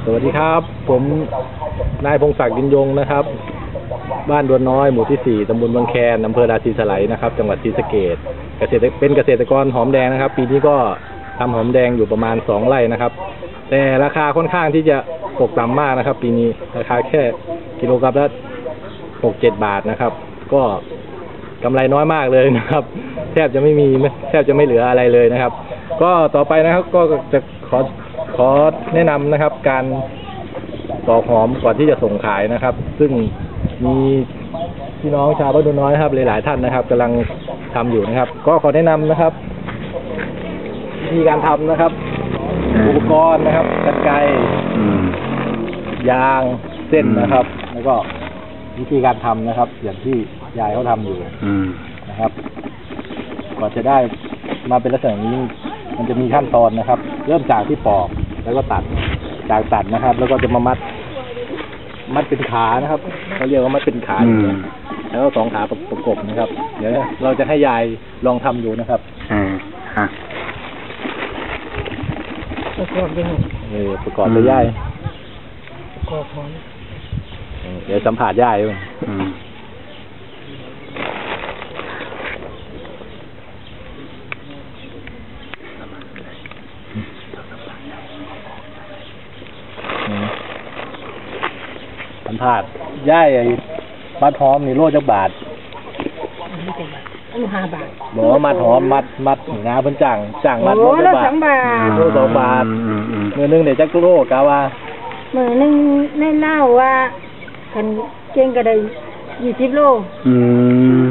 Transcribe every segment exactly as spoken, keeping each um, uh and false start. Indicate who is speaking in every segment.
Speaker 1: สวัสดีครับผมนายพงศักดิ์ยินยงนะครับบ้านดวนน้อยหมู่ที่สี่ตำบลบางแคนอำเภอราศีสไลยนะครับจังหวัดศรีสะเกษเกษตรเป็นเกษตรกรหอมแดงนะครับปีนี้ก็ทำหอมแดงอยู่ประมาณสองไร่นะครับแต่ราคาค่อนข้างที่จะตกต่ำมากนะครับปีนี้ราคาแค่กิโลกรัมละหกเจ็ดบาทนะครับก็กำไรน้อยมากเลยนะครับแทบจะไม่มีแทบจะไม่เหลืออะไรเลยนะครับก็ต่อไปนะครับก็จะขอขอแนะนำนะครับการปอกหอมก่อนที่จะส่งขายนะครับซึ่งมีพี่น้องชาวบ้านดวนน้อยครับหลายๆท่านนะครับกำลังทำอยู่นะครับก็ขอแนะนำนะครับวิธีการทำนะครับอุปกรณ์นะครับกรรไกรยางเส้นนะครับแล้วก็วิธีการทำนะครับอย่างที่ยายเขาทำอยู่นะครับก่อนจะได้มาเป็นลักษณะนี้มันจะมีขั้นตอนนะครับเริ่มจากที่ปอกแล้วก็ตัดจากตัดนะครับแล้วก็จะมามัดมัดเป็นขานะครับเขาเรียกว่ามัดเป็นขาแล้วก็สองขาประกบนะครับเดี๋ยวเราจะให้ยายลองทำดูนะครับ
Speaker 2: อ่าฮะ
Speaker 1: ประกอบยังไงเออประกอบเลยยายประกอบพร้อมเดี๋ยวสัมผัสยายด้วยสัมผัสย่ายไอ้มัดหอมนี่โลจักบาท
Speaker 3: อันห้าบาท
Speaker 1: บอกว่ามัดหอมมัดมัดงาเพิ่นจ้างจ้างมัดโลจักบาทโลสองบาทมือนึงเดี๋ยวจักโลกะว่า
Speaker 3: มือนึงแน่เล่าว่าคันเก่งก็ได้ยี่สิบโลอืม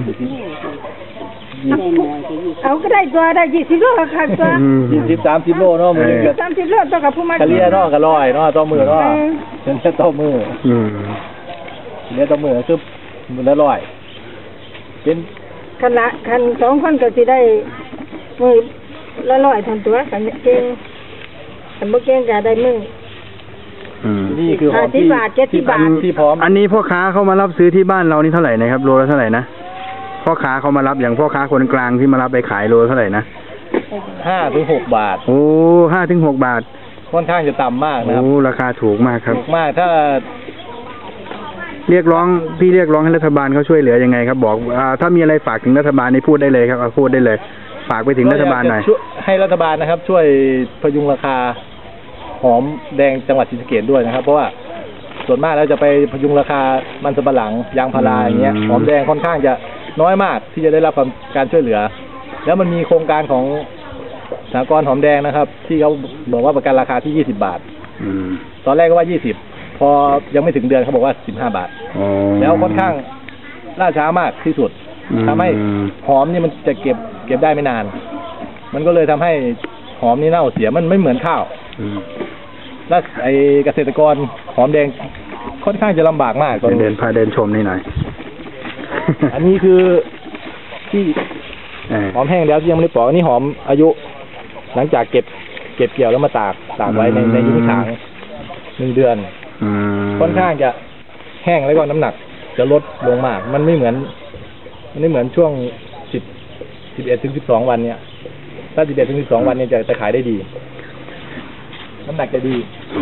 Speaker 3: เอาก็ได้ตัวได้ยี่สิบโลค่ะตัว
Speaker 1: ยี่สิบสามสิบโลเนาะมือนึง
Speaker 3: สามสิบโลตัวกับผู้มา
Speaker 1: เฉลี่ยเนาะก็ร้อยเนาะต่อมือเนาะเฉลี่ยต่อมืออืมเฉลี่ยต่อมือคือมือละร้อยเป็น
Speaker 3: คันละคันสองคนก็สิได้มือละร้อยทันตัวกันเก่งคันบ่เก่งก็ได้มือ
Speaker 1: นี่คือหอมที่ที่พันที่พร้อม
Speaker 2: อันนี้พ่อค้าเขามารับซื้อที่บ้านเรานี่เท่าไหร่นะครับโลละเท่าไหร่นะพ่อค้าเขามารับอย่างพ่อค้าคนกลางที่มารับไปขายโลเท่าไหร่นะ
Speaker 1: ห้าถึงหกบาท
Speaker 2: โอ้ห้าถึงหกบาท
Speaker 1: ค่อนข้างจะต่ำมากนะครับ
Speaker 2: โอ้ราคาถูกมากครับ
Speaker 1: ถูกมากถ้า
Speaker 2: เรียกร้องพี่เรียกร้องให้รัฐบาลเขาช่วยเหลือยังไงครับบอกอ่าถ้ามีอะไรฝากถึงรัฐบาลนี่พูดได้เลยครับพูดได้เลยฝากไปถึงรัฐบาลหน่อย
Speaker 1: ให้รัฐบาลนะครับช่วยพยุงราคาหอมแดงจังหวัดศรีสะเกษด้วยนะครับเพราะว่าส่วนมากแล้วจะไปพยุงราคามันสำปะหลังยางพาราอย่างเงี้ยหอมแดงค่อนข้างจะน้อยมากที่จะได้รับการช่วยเหลือแล้วมันมีโครงการของสหกรณ์หอมแดงนะครับที่เขาบอกว่าประกันราคาที่ยี่สิบบาทตอนแรกก็ว่ายี่สิบพอยังไม่ถึงเดือนเขาบอกว่าสิบห้าบาทแล้วค่อนข้างล่าช้ามากที่สุดทำให้หอมนี่มันจะเก็บเก็บได้ไม่นานมันก็เลยทำให้หอมนี่เน่าเสียมันไม่เหมือนข้าวแล้วไอเกษตรกรหอมแดงค่อนข้างจะลำบากมาก
Speaker 2: เดินพาเดินชมนี่หน่อย
Speaker 1: อันนี้คือที่หอมแห้งแล้วที่ยังไม่ได้ปอกอันนี้หอมอายุหลังจากเก็บเก็บเกี่ยวแล้วมาตากตากไว้ในในยุ้งฉางหนึ่งเดือนค่อนข้างจะแห้งแล้วก็น้ำหนักจะลดลงมากมันไม่เหมือนมันไม่เหมือนช่วงสิบสิบเอ็ดถึงสิบสองวันเนี่ยถ้าสิบเอ็ดถึงสิบสองวันเนี่ยจะจะขายได้ดีน้ำหนักจะดี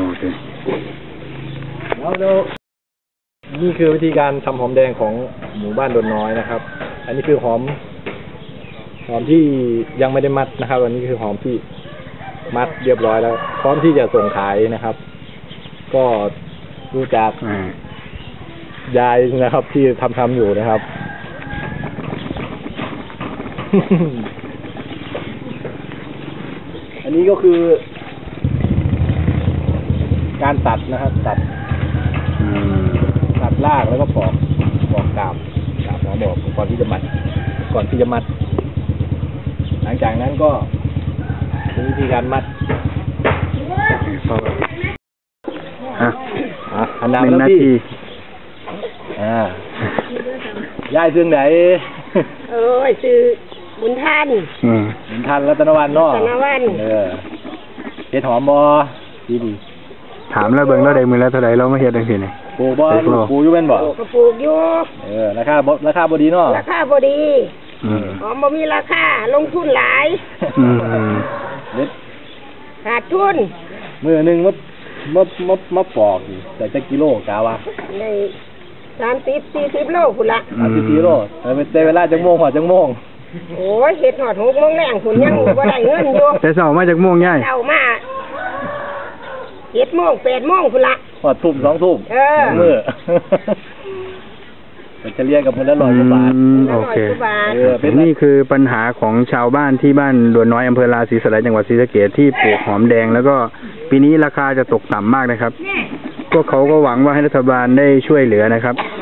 Speaker 1: แล้วแล้วนี่คือวิธีการทำหอมแดงของหมู่บ้านดวนน้อยนะครับอันนี้คือหอมหอมที่ยังไม่ได้มัดนะครับอันนี้คือหอมที่มัดเรียบร้อยแล้วพร้อมที่จะส่งขายนะครับก็ดูจากยายนะครับที่ทำทำอยู่นะครับอันนี้ก็คือการตัดนะครับตัดตัดรากแล้วก็ปอกปอกกาบกาบหัวบอกก่อนที่จะมัดก่อนที่จะมัดหลังจากนั้นก็เป็นวิธีการมัด
Speaker 2: อ่ะ
Speaker 1: อันนั้นแล้วพี่อ่ายายซื้อไหน
Speaker 3: เออซื้อบุญทัน
Speaker 1: บุญทันรัตนวันเนาะ
Speaker 3: รัตนวัน
Speaker 1: เออเฮ็ดหอมบ่ดีดี
Speaker 2: ถามแล้วเบิ่งแล้วได้มือแล้วเท่าไหร่เราไม่เฮ็ดจังซี่นี่
Speaker 1: ปลูกบ่ปลูกอยู่แม่นบ่
Speaker 3: ก็ปลูกอยู่
Speaker 1: เออราคาบ่ราคาบ่ดีเนาะ
Speaker 3: ราคาบ่ดีอืมหอมบ่มีราคาลงทุนหลายอืมขาดทุน
Speaker 1: มื้อนึงว่ามามามาปอกนี่แต่จะกิโลกาวะ
Speaker 3: ในสามสิบสี่สิบโลพุ่นละ
Speaker 1: สามสิบกิโลแต่เป็นเวลาจังโมงหัวจังโมง
Speaker 3: โอ้ยเฮ็ดหอดหกโมงแรงพุ่นยังบ่ได้เงินอยู่
Speaker 2: แต่เช้ามาจากม่วงย่าย
Speaker 3: เอามาเจ็ดโมงแปดโมงพุ่นละ
Speaker 1: หัวทุ่มสองทุ่ม
Speaker 3: เออ
Speaker 1: สองมื้อ เป็นเฉลี่ยกับคนละร้อยกว่าบาท
Speaker 2: อืมโอเค
Speaker 3: ร้อยกว่าบาท
Speaker 1: เออเป็น
Speaker 2: นี่คือปัญหาของชาวบ้านที่บ้านดวนน้อยอำเภอราศีสไลยจังหวัดศรีสะเกษที่ปลูกหอมแดง แล้วก็ปีนี้ราคาจะตกต่ำมากนะครับพวกเขาก็หวังว่าให้รัฐบาลได้ช่วยเหลือนะครับ